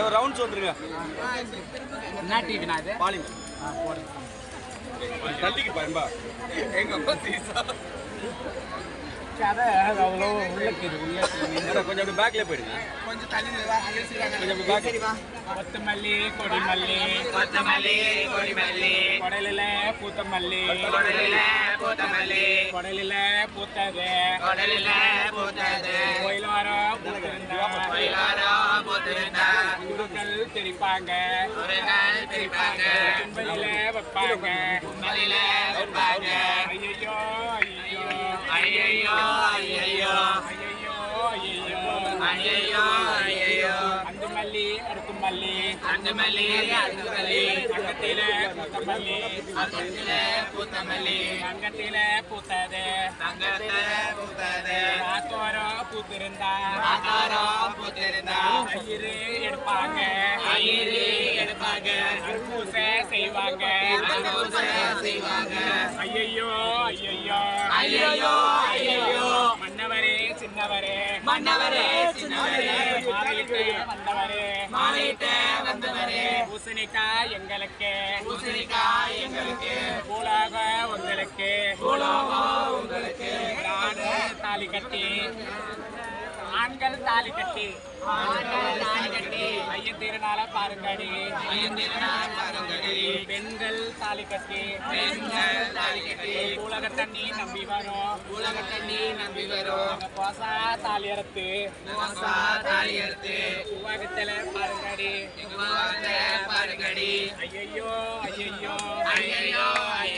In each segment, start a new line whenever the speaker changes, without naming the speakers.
Rounds வந்துருங்க.
என்ன டிவினா இது?
பாலிமர்.
போடு.
தள்ளிக்கு பாரும்பா. எங்க அப்பா சீசா.
கதை அவ்வளோ உள்ளக்கிது
கொஞ்சம் அப்படி பேக்ல போயிடுங்க.
கொஞ்சம் தள்ளி வா அங்க சீராங்க.
கொஞ்சம் அப்படி பேக்.
வா.
கொத்தமல்லி கொடிமல்லி
கொத்தமல்லி கொடிமல்லி
கொடலில பூத்தமல்லி
கொடலில பூத்தமல்லி
கொடலில பூத்தது
கொடலில பூத்தது
கோயிலாரோ பூத்திருந்தா
கோயிலாரோ பூத்திருந்தா
குருக்கள் திரிப்பாங்க
குருக்கள் திரிப்பாங்க
கும்பலில வைப்பாங்க
கும்பலில வைப்பாங்க
ஐயோ
ஐயையோ ஐயையோ ஐயையோ ஐயையோ
அஞ்சு மல்லி அடுக்கு மல்லி
அஞ்சு மல்லி அஞ்சு மல்லி
அங்கத்தில பூத்தமல்லி
அங்கத்தில பூத்தமல்லி
அங்கத்தில பூத்தது
தங்கத்தில பூத்தது
ஆத்தோரோ பூத்திருந்தா
ஆகாரோ பூத்திருந்தா
ஐயரு எடுப்பாங்க
ஐயரு எடுப்பாங்க
பூசை செய்வாங்க
செய்வாங்க
ஐயையோ
ஐயையோ ஐயையோ
மன்னவரே சின்னவரே
மன்னவரே சின்னவரே
மாலையிட்டு வந்தவரே
மாலையிட்டு வந்தவரே
பூசணிக்காய் எங்களுக்கு
பூசணிக்காய் எங்களுக்கு
பூலாக உங்களுக்கு
பூலோகம் உங்களுக்கு
நாடு தாலி கட்டி ஆண்கள் தாலி கட்டி
ஆண்கள் தாலி கட்டி
ஐயன் திருநாள பாருங்கடி
ஐயந்திரனார் பாருங்கடி
பெண்கள் தாலி கட்டி
பெண்கள் தாலி கட்டி
உலக தண்ணி நம்பி வரும்
உலகத்தை நீ நம்பி வரும்
கோசா தாலி அறுத்து
மோசா தாலி எடுத்து
உலகத்துல பாருங்கடி
உலகத்தை பாருங்கடி
ஐயையோ
ஐயையோ ஐயையோ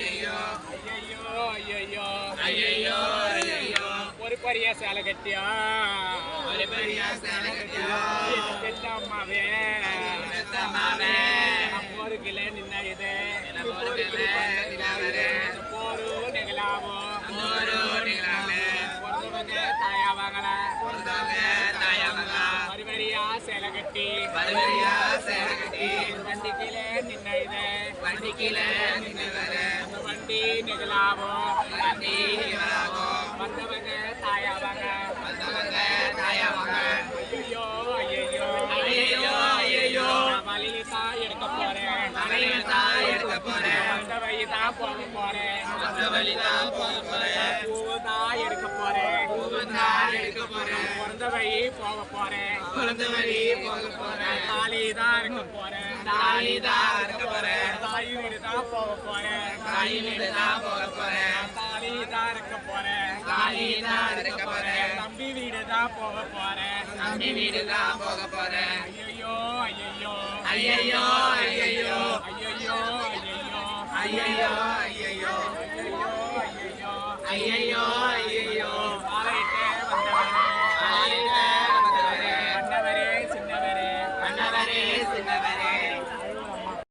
ஐயையோ ஐயையோ
ஒரு பெரிய சேலை கட்டியா
ஒரு பெரிய சேலை கட்டியா
பெற்ற அம்மாவே
பெத்தம்மாவே
ஒரு கிளை நின்ன இது
போருகிலே நிலாவரே
போரு நெகலாவோ
நூறு நிலாவே
பிறந்தவங்க தாயாவாங்கள
பொறுத்தவங்க தாயாமகா
வரிவரியா சேலை கட்டி
பல்வரியா சேலை கட்டி
வண்டி கீழே நின்ன இது
வண்டி கீழே நின்றவரே
அந்த வண்டி நெகலாவோ
வண்டி நிலாவோ
வந்தவங்க தாயாவாங்க
வந்தவங்க தாயாமகா
ஐயோ
ஐயையோ ஐயையோ
வழியில தான் எடுக்க போறேன்
தலையில தான் எடுக்க போறேன்
வந்த வழி தான் போக போறேன்
அந்த வழிதான் போக போறேன்
பூவு தான் எடுக்க போறேன்
பூவந்தான் எடுக்க போறேன்
பிறந்த வழி போக போறேன்
பிறந்த வழி போக போறேன்
தாலி தான் இருக்க போறேன்
தாலி தான் இருக்க போறேன்
தாய் வீடு தான் போக போறேன்
தாய் வீடு தான் போக போறேன்
தாலி தான் இருக்க போறேன்
தாலி தான் இருக்க போறேன்
தம்பி வீடு தான் போக போறேன்
தம்பி வீடு தான் போக போறேன்
ஐயோ
ஐயையோ ஐயையோ
ஐயோ